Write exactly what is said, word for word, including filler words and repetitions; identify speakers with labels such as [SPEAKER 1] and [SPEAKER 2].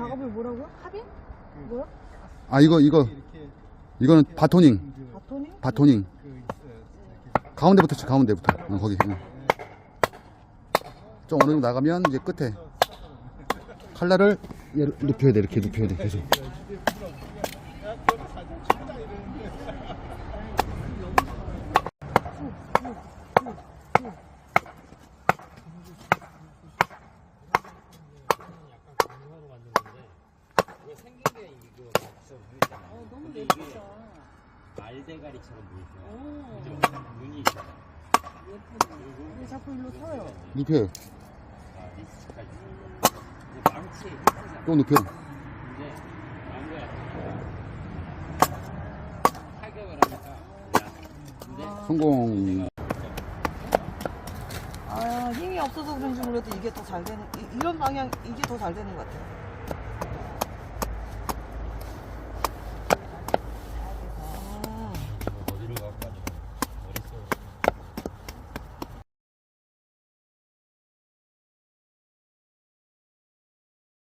[SPEAKER 1] 작업을 뭐라고요? 합의? 뭐야?
[SPEAKER 2] 아 이거 이거 이거는 바토닝
[SPEAKER 1] 바토닝?
[SPEAKER 2] 바토닝 가운데부터 쳐 가운데부터 어, 거기 어. 좀 어느 정도 나가면 이제 끝에 칼날을 얘를 눕혀야 돼. 이렇게 눕혀야 돼 계속.
[SPEAKER 1] 어, 너무 예쁘다.
[SPEAKER 3] 알대가리처럼 보이죠. 그죠? 눈이 있잖아.
[SPEAKER 1] 예쁘네. 왜 자꾸 일로 서요?
[SPEAKER 2] 눕혀요.
[SPEAKER 3] 아, 리스까지. 이제 망치 예쁘잖아.
[SPEAKER 2] 또 눕혀.
[SPEAKER 3] 이제 안 거야. 타격을 하니까. 야, 근데
[SPEAKER 2] 성공.
[SPEAKER 1] 아, 힘이 없어서 그런지 몰라도 이게 더 잘 되는, 이- 이런 방향, 이게 더 잘 되는 것 같아요.